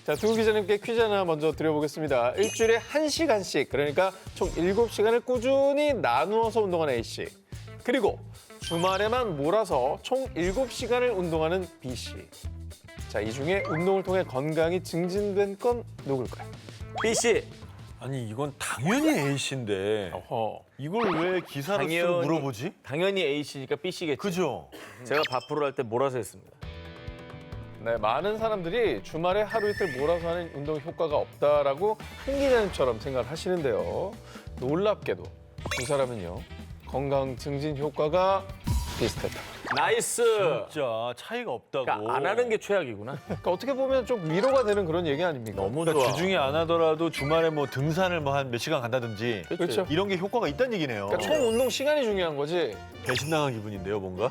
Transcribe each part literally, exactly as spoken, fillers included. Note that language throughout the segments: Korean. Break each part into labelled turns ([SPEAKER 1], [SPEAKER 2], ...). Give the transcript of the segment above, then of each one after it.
[SPEAKER 1] 자, 두 기자님께 퀴즈 하나 먼저 드려보겠습니다. 일주일에 한 시간씩, 그러니까 총 일곱 시간을 꾸준히 나누어서 운동하는 A씨. 그리고 주말에만 몰아서 총 일곱 시간을 운동하는 B씨. 자, 이 중에 운동을 통해 건강이 증진된 건 누굴까요?
[SPEAKER 2] B씨.
[SPEAKER 3] 아니 이건 당연히 A씨인데
[SPEAKER 1] 어허.
[SPEAKER 3] 이걸 왜 기사로 쓰고
[SPEAKER 2] 당연히-
[SPEAKER 3] 물어보지?
[SPEAKER 2] 당연히 A씨니까 B씨겠죠.
[SPEAKER 3] 그죠?
[SPEAKER 2] 제가 밥프로 할 때 몰아서 했습니다.
[SPEAKER 1] 네, 많은 사람들이 주말에 하루 이틀 몰아서 하는 운동 효과가 없다라고 한 기자님처럼 생각을 하시는데요. 놀랍게도 두 사람은요, 건강 증진 효과가 비슷했다.
[SPEAKER 2] 나이스.
[SPEAKER 3] 진짜 차이가 없다고.
[SPEAKER 2] 그러니까 안 하는 게 최악이구나.
[SPEAKER 1] 그러니까 어떻게 보면 좀 위로가 되는 그런 얘기 아닙니까?
[SPEAKER 2] 너무
[SPEAKER 3] 그러니까
[SPEAKER 2] 좋아.
[SPEAKER 3] 주중에 안 하더라도 주말에 뭐 등산을 뭐 한 몇 시간 간다든지
[SPEAKER 1] 그렇죠.
[SPEAKER 3] 이런 게 효과가 있다는 얘기네요.
[SPEAKER 1] 그러니까 총 운동 시간이 중요한 거지.
[SPEAKER 3] 배신당한 기분인데요, 뭔가?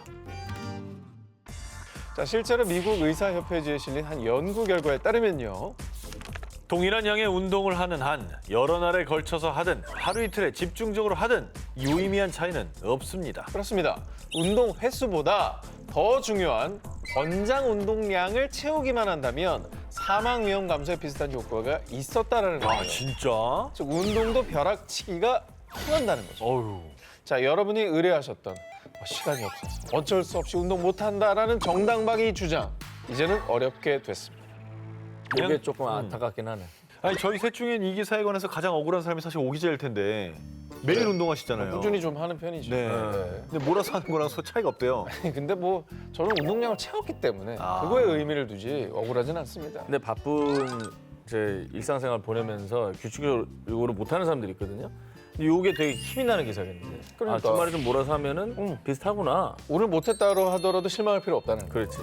[SPEAKER 1] 자, 실제로 미국 의사협회지에 실린 한 연구 결과에 따르면요.
[SPEAKER 3] 동일한 양의 운동을 하는 한 여러 날에 걸쳐서 하든 하루 이틀에 집중적으로 하든 유의미한 차이는 없습니다.
[SPEAKER 1] 그렇습니다. 운동 횟수보다 더 중요한 권장 운동량을 채우기만 한다면 사망 위험 감소에 비슷한 효과가 있었다라는 거예요.
[SPEAKER 3] 아 진짜?
[SPEAKER 1] 즉 운동도 벼락치기가 통한다는 거죠.
[SPEAKER 3] 어휴.
[SPEAKER 1] 자, 여러분이 의뢰하셨던 뭐 시간이 없어서 어쩔 수 없이 운동 못한다라는 정당방위 주장, 이제는 어렵게 됐습니다.
[SPEAKER 2] 이게
[SPEAKER 3] 그냥-
[SPEAKER 2] 조금 안타깝긴 하네.
[SPEAKER 3] 아니 저희 셋 중엔 이 기사에 관해서 가장 억울한 사람이 사실 오 기자일 텐데 매일 운동하시잖아요.
[SPEAKER 1] 꾸준히 좀 하는 편이죠.
[SPEAKER 3] 네. 근데 몰아서 하는 거랑 소 차이가 없대요.
[SPEAKER 1] 근데 뭐 저는 운동량을 채웠기 때문에
[SPEAKER 3] 아.
[SPEAKER 1] 그거에 의미를 두지 억울하진 않습니다.
[SPEAKER 2] 근데 바쁜 제 일상생활 보내면서 규칙적으로 못하는 사람들이 있거든요. 근데 이게 되게 힘이 나는 기사겠는데.
[SPEAKER 1] 그러니까.
[SPEAKER 2] 아, 주말에 좀 몰아서 하면은
[SPEAKER 1] 응.
[SPEAKER 2] 비슷하구나.
[SPEAKER 1] 오늘 못했다고 하더라도 실망할 필요 없다는 거예요.
[SPEAKER 2] 그렇지.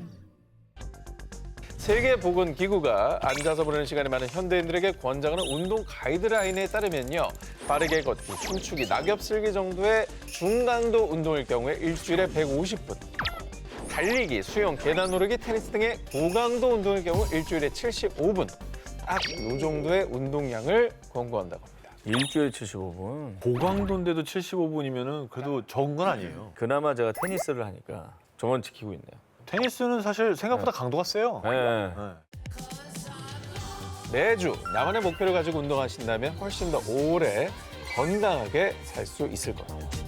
[SPEAKER 1] 세계보건기구가 앉아서 보내는 시간이 많은 현대인들에게 권장하는 운동 가이드라인에 따르면요. 빠르게 걷기, 춤추기, 낙엽 쓸기 정도의 중강도 운동일 경우에 일주일에 백오십 분. 달리기, 수영, 계단 오르기, 테니스 등의 고강도 운동일 경우 일주일에 칠십오 분. 딱 이 정도의 운동량을 권고한다고 합니다.
[SPEAKER 2] 일주일에 칠십오 분.
[SPEAKER 3] 고강도인데도 칠십오 분이면은 그래도 적은 건 아니에요.
[SPEAKER 2] 그나마 제가 테니스를 하니까 저건 지키고 있네요.
[SPEAKER 3] 테니스는 사실 생각보다 강도가 세요.
[SPEAKER 2] 네.
[SPEAKER 3] 네.
[SPEAKER 1] 매주 나만의 목표를 가지고 운동하신다면 훨씬 더 오래 건강하게 살 수 있을 겁니다.